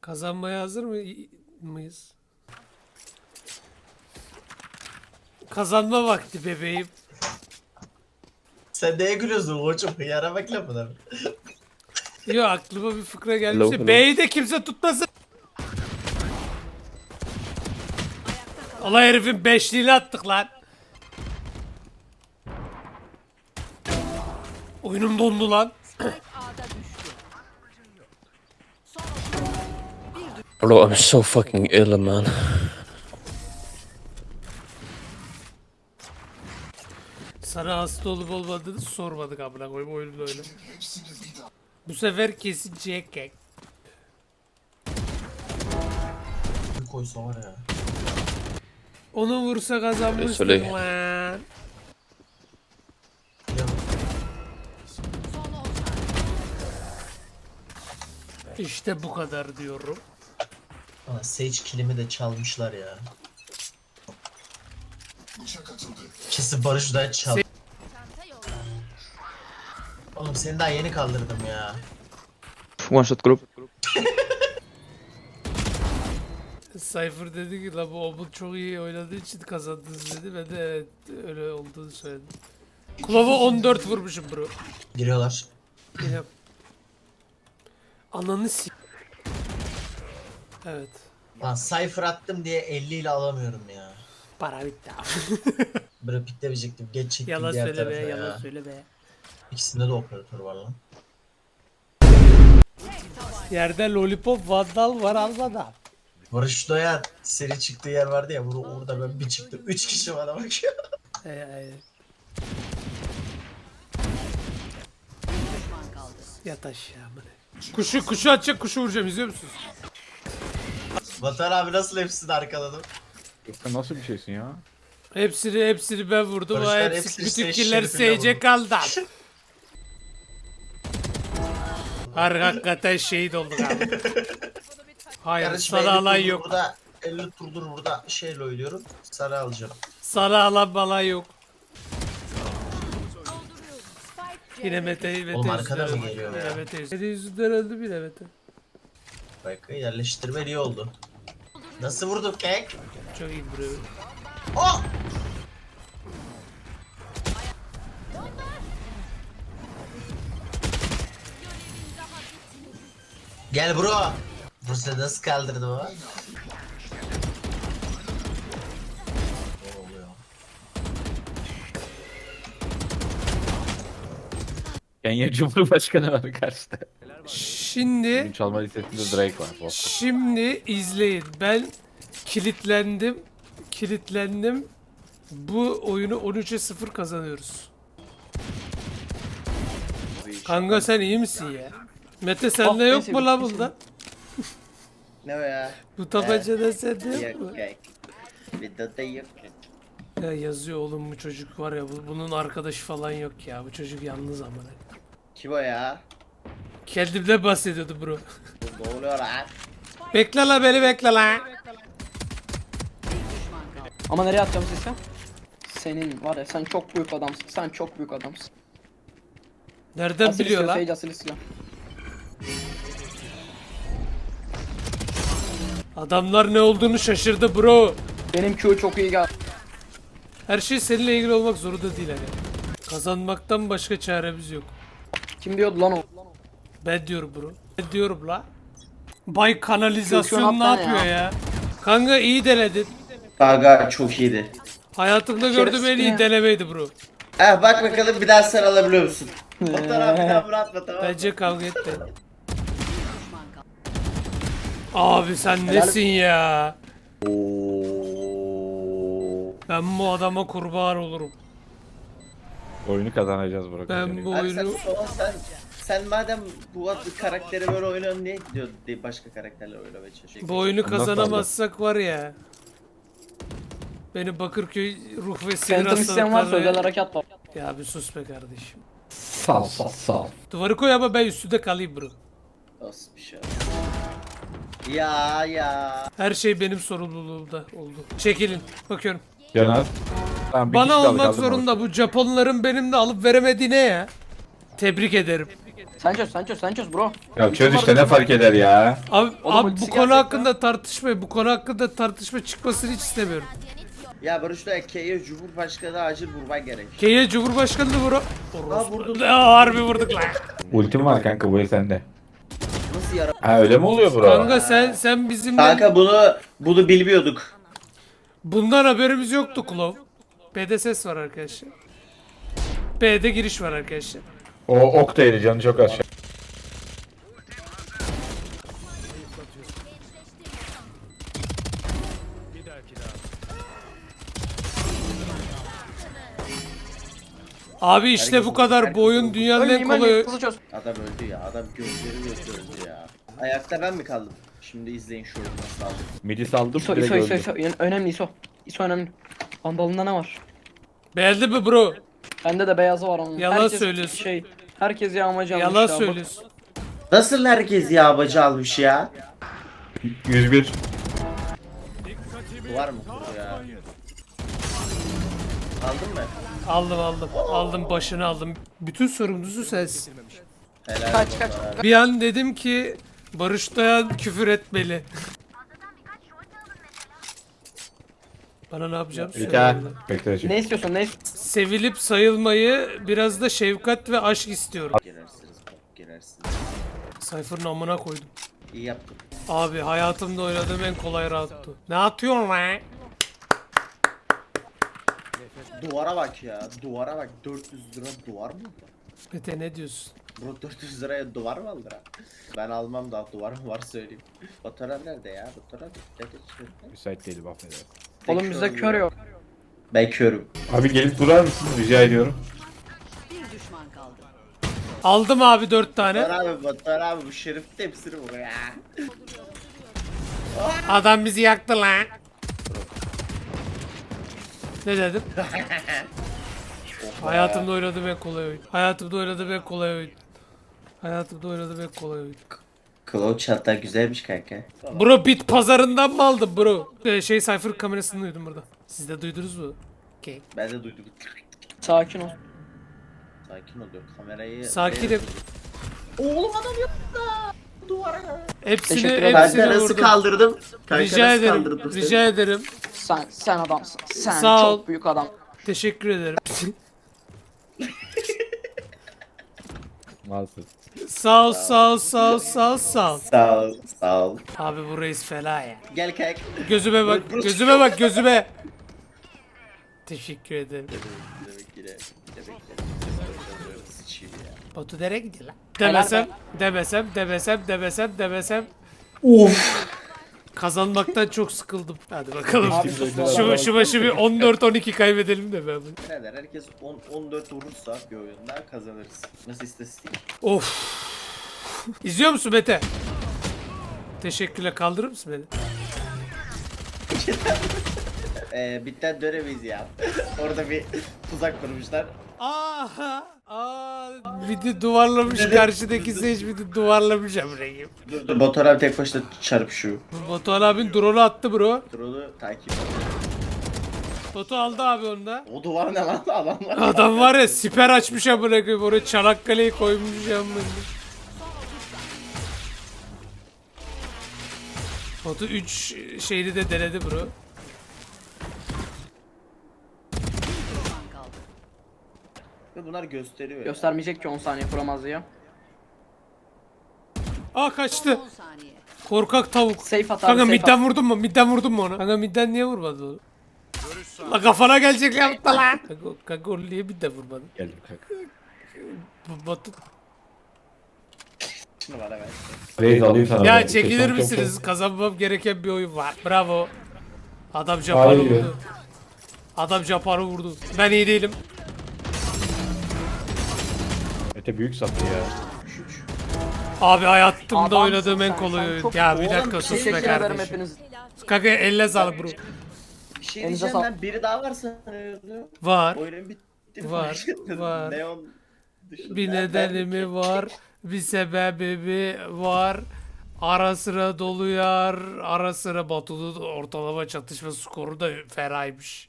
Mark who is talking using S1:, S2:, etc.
S1: Kazanmaya hazır mıyız? Kazanma vakti bebeğim.
S2: Sen neye gülüyorsun koçum? Hıyara bak lafına.
S1: Yo, aklıma bir fıkra
S3: Hello,
S1: gelmişti.
S3: hello.
S1: B'yi de kimse tutmasın. Allah herifin beşliğini attık lan. Oyunum dondu lan.
S3: Bro, I'm so fucking ill, man.
S1: Sana hasta olup olmadığını sormadık amına koyayım, oyunda öyle. Bu sefer kesin Jack.
S2: Bir koysa var ya.
S1: Onu vursa kazanmıştık
S3: Söyle.
S1: lan.
S2: Ya
S1: İşte bu kadar diyorum.
S2: Aa, Sage killimi de çalmışlar ya. Kesin Barış'dan çal. Oğlum seni daha yeni kaldırdım ya.
S3: One shot group.
S1: Cypher dedi ki la bu Obul çok iyi oynadığı için kazandınız dedi. Ben de evet öyle olduğunu söyledim. Klova 14 vurmuşum bro.
S2: Giriyorlar.
S1: Yine. Ananı s**. Evet.
S2: Lan Cypher attım diye 50 ile alamıyorum ya.
S1: Para bitti abi.
S2: Böyle piklemeyecektim. Geç çektim
S1: Yalan
S2: diğer
S1: söyle be,
S2: tarafa ya.
S1: yalan söyle be.
S2: İkisinde de operatör var lan.
S1: Yerde lollipop vandal var almadan.
S2: Barış Doyan seri çıktığı yer vardı ya. Orada ben bir çıktım. 3 kişi bana bakıyor.
S1: Yat aşağı amına. Kuşu atacak, kuşu vuracağım, izliyor musunuz?
S2: Vatan abi nasıl hepsini arkaladım?
S4: Sen nasıl bir şeysin ya?
S1: Hepsini ben vurdum. O
S2: Barışlar
S1: hepsi,
S2: hepsini
S1: bütün
S2: Sage
S1: killer
S2: şerifine
S1: Sage'e
S2: vurdu.
S1: kaldı. Hakikaten şehit olduk abi. Hayır,
S2: Kardeşim
S1: sana
S2: 50
S1: alan
S2: turdur
S1: yok.
S2: Burada 50 turdur burada şeyle oynuyorum. Sarı alacağım.
S1: Sana alan bala yok. Yine Mete
S2: Oğlum arkada mı
S1: yüzünden
S2: geliyor
S1: öldü.
S2: ya?
S1: Yine Mete yüzünden öldü bile Mete.
S2: Bak yerleştirme iyi oldu. Nasıl vurduk kek?
S1: Çok iyi buraya.
S2: Oh! Gel bro. Bursa nasıl kaldırdı baba? Ne oluyor?
S4: Kenya Cumhurbaşkanı var karşıda.
S1: Şimdi
S4: Bugün çalma listesinde Drake var. Bak.
S1: Şimdi izleyin. Ben kilitlendim. Bu oyunu 13'e 0 kazanıyoruz. Kanka sen iyi misin ya? Mete sende yok mu la bunda?
S2: Ne o ya?
S1: Bu tabancada sende yok mu?
S2: kek. Videoda yok kek.
S1: Ya yazıyor oğlum, bu çocuk var ya, bunun arkadaşı falan yok ya. Bu çocuk yalnız amına.
S2: Kim o ya?
S1: Kendimden bahsediyordu bro.
S2: Ne oluyor lan?
S1: Bekle la, beni bekle la.
S5: Ama nereye atacağım sesi? Senin var ya, sen çok büyük adamsın. Sen çok büyük adamsın.
S1: Nereden
S5: Asil
S1: biliyor
S5: istiyor,
S1: la?
S5: Sage asil istiyor.
S1: Adamlar ne olduğunu şaşırdı bro.
S5: Benim Q çok iyi geldi.
S1: Her şey seninle ilgili olmak zorunda değil hani. Kazanmaktan başka çaremiz yok.
S5: Kim diyordu lan o?
S1: Ben diyorum bro. Ben diyorum la. Bay kanalizasyon
S5: Kültür
S1: ne
S5: hatta
S1: yapıyor
S5: ya.
S1: ya? Kanka iyi denedin.
S2: Gaga çok iyiydi.
S1: Hayatımda gördüğüm en iyi
S5: ya.
S1: denemeydi bro.
S2: Bak bakalım bir daha sen alabiliyor musun? Fotoğraf bir daha bırakma tamam mı?
S1: Bence kavga etme. Abi sen nesin ya? Ben bu adama kurban olurum.
S4: Oyunu kazanacağız Burak.
S1: Ben bu
S2: Abi sen,
S1: oyunu...
S2: sen madem bu karakteri böyle oynuyorsun niye gidiyor başka karakterle oynamaya çalışıyorsun?
S1: Bu oyunu
S4: Ondan
S1: kazanamazsak var ya. Beni Bakırköy ruh ve sinir
S5: Phantom isteyen varsa özel
S1: hastalıkları...
S5: harekat var.
S1: Ya bir sus be kardeşim.
S4: Sal.
S1: Duvarı koy ama ben üstünde kalayım bro.
S2: Nasıl bir şey? Ya.
S1: Her şey benim sorumluluğumda oldu. Çekilin. Bakıyorum.
S4: Caner. Tamam, bir kişi
S1: Bana
S4: kaldı,
S1: olmak
S4: kaldırma
S1: zorunda bu Japonların benimle alıp veremediğine ya. Tebrik ederim.
S5: Sen çöz bro.
S4: Ya çöz işte ne fark eder ya.
S1: Abi,
S5: Oğlum
S1: abi bu
S5: ultisi
S1: konu
S5: gelecek
S1: hakkında tartışmayın. Bu konu hakkında tartışma çıkmasını hiç istemiyorum.
S2: Ya Barış'ta K'ye Cumhurbaşkanı acil vurman gerek.
S1: K'ye Cumhurbaşkanı da vura.
S2: vurdum.
S1: Harbi vurduk lan.
S4: Ultim var kanka bu el sende.
S2: Nasıl yara?
S4: Ha öyle mi oluyor bro?
S1: Kanka sen bizimle
S2: Kanka bunu bilmiyorduk.
S1: bundan haberimiz yoktu Klov. B'de ses var arkadaşlar. B'de giriş var arkadaşlar.
S4: O ok değeri canı çok az.
S1: Abi işte bu kadar. Bu oyun dünyanın en
S5: Ölmeyeyim
S1: kolay.
S5: ölmeyeyim. Hızlı çöz.
S2: Adam öldü ya. Adam gözleri öldü ya. Ayakta ben mi kaldım? Şimdi izleyin şu oyunu nasıl aldım.
S4: Midi saldım
S5: İso
S4: direkt
S5: İso İso
S4: öldü.
S5: İso. Yani önemli İso. İso önemli. Andalında ne var?
S1: Beğendin mi bro?
S5: Bende de beyazı var onun.
S1: Yalan söylüyorsun.
S5: Herkes yağmacı almış
S1: Yalan
S5: ya, bak.
S1: söylüyorsun.
S2: Nasıl herkes yağbacı almış ya?
S4: 101.
S2: Var mı kuru ya? Aldın mı?
S1: Aldım başını aldım. Bütün sorumlusu sensin.
S2: Helal
S5: Kaç,
S2: olsun
S5: kaç.
S2: abi.
S1: Bir an dedim ki Barış Dayan küfür etmeli. Bana ne yapacağım
S4: Bir
S1: söyle.
S4: daha. Bekle şimdi.
S5: Ne istiyorsun ne
S1: Sevilip sayılmayı biraz da şefkat ve aşk istiyorum.
S2: Girersiniz bak girersiniz.
S1: Cypher'ın amına koydum.
S2: İyi yaptın.
S1: Abi hayatımda oynadığım en kolay roundtu. Ne atıyorsun lan?
S2: Duvara bak ya. Duvara bak. 400 lira duvar mı?
S1: Mete ne diyorsun?
S2: Bro 400 liraya duvar mı alır ha? Ben almam daha duvar mı var söyleyeyim. Fotoğraf nerede ya? Fotoğraf nerede?
S4: Müsait değilim affedersin.
S5: Oğlum bizde kör yok.
S2: Ben körüm.
S4: Abi gelip durar mısın rica ediyorum.
S1: Aldım abi 4 tane.
S2: Fotoğraf abi bu şerif de hepsini vur ya.
S1: Adam bizi yaktı lan. Ne dedim? Hayatımda oynadığım en kolay oyun. Hayatımda oynadığım en kolay oyun. Hayatımda oynadığım en kolay oyun.
S2: Cloud çatlar güzelmiş kanka.
S1: Bro bit pazarından mı aldın bro? Cypher kamerasını duydum burada. Siz de duydunuz mu? Okay.
S2: Ben de duydum.
S5: Sakin ol.
S2: Sakin ol diyor kamerayı.
S1: Sakinim.
S2: Oğlum adam yok da. Duvara.
S1: Hepsini
S5: Teşekkür ederim.
S1: hepsini
S2: Kanka nasıl
S1: vurdum.
S2: kaldırdım? Kanka
S1: Rica
S2: nasıl
S1: ederim.
S2: kaldırdım seni?
S1: Rica ederim.
S5: Sen adamsın. Sen
S1: Sağ ol.
S5: çok büyük adam.
S1: Teşekkür ederim.
S4: Maalesef.
S1: Sağ ol, sağ ol, sağ ol, sağ ol, sağ ol.
S2: Sağ ol. Sağ ol.
S1: Abi bu reis fena ya.
S2: Gel kanka.
S1: Gözüme bak, gözüme bak, gözüme. Teşekkür ederim.
S2: Demek ki de. Sıçayım ya.
S1: Batu nereye gidiyor lan?
S5: Helal
S1: Demesem.
S2: Of.
S1: Kazanmaktan çok sıkıldım. Hadi bakalım.
S5: Abi,
S1: Şu başı bir 14-12 kaybedelim de ben bunu.
S2: Birader herkes 10-14 vurursa bir oyunda kazanırız. Nasıl istatistik?
S1: Of. İzliyor musun Mete? Teşekkürler. Kaldırır mısın beni?
S2: Bitten dönemeyiz ya. Orada bir tuzak kurmuşlar.
S1: Aha. Bir de duvarlamış karşıdaki seç bir de duvarlamış amrayım.
S2: Dur Batuhan abi tek başına çarpışıyor.
S1: Batuhan abin drone'u attı bro.
S2: Dur onu takip et.
S1: Batu aldı abi onu da.
S2: O duvar ne lan adamlar?
S1: Adam var ya siper açmış amına koyayım oraya Çanakkale'yi koymuş amına. Batu 3 şeyini de denedi bro.
S2: Ve bunlar gösteriyor ya.
S5: Göstermeyecek ki 10 saniye kuramaz ya.
S1: Kaçtı. Korkak tavuk.
S5: Safe at abi,
S1: Kanka
S5: safe
S1: midden
S5: at.
S1: vurdun mu? Midden vurdun mu onu? Kanka midden niye vurmadın onu? La kafana gelecek yaptı lan. Kanka onu niye midden vurmadın?
S4: Geldim kanka.
S1: Batu.
S2: Şunu bana ver.
S4: Reis alayım sana.
S1: Ya
S4: ben.
S1: çekilir
S4: Çok-
S1: misiniz? Kazanmam gereken bir oyun var. Bravo. Adam Japar'ı
S4: Hayır.
S1: vurdu. Adam Japar'ı vurdu. Ben iyi değilim.
S4: Mete büyük sattı ya.
S1: Abi hayatımda
S5: Adamsın
S1: oynadığım en
S5: sen,
S1: kolay
S5: sen
S1: oyun.
S5: çok-
S1: Ya bir
S2: Oğlum,
S1: dakika sus
S5: Teşekkür
S1: be
S5: ederim
S1: kardeşim.
S5: hepiniz.
S1: Kanka elle sağlık bro.
S2: Bir şey
S5: Elinize
S2: diyeceğim
S5: sağlık.
S2: ben biri daha var sanıyordum.
S1: Var.
S2: Oyunun bitti.
S1: Var, var.
S2: Neon dışında.
S1: Bir nedeni mi var? Bir sebebi mi var? Ara sıra doluyar. Ara sıra Batu'nun ortalama çatışma skoru da fenaymış.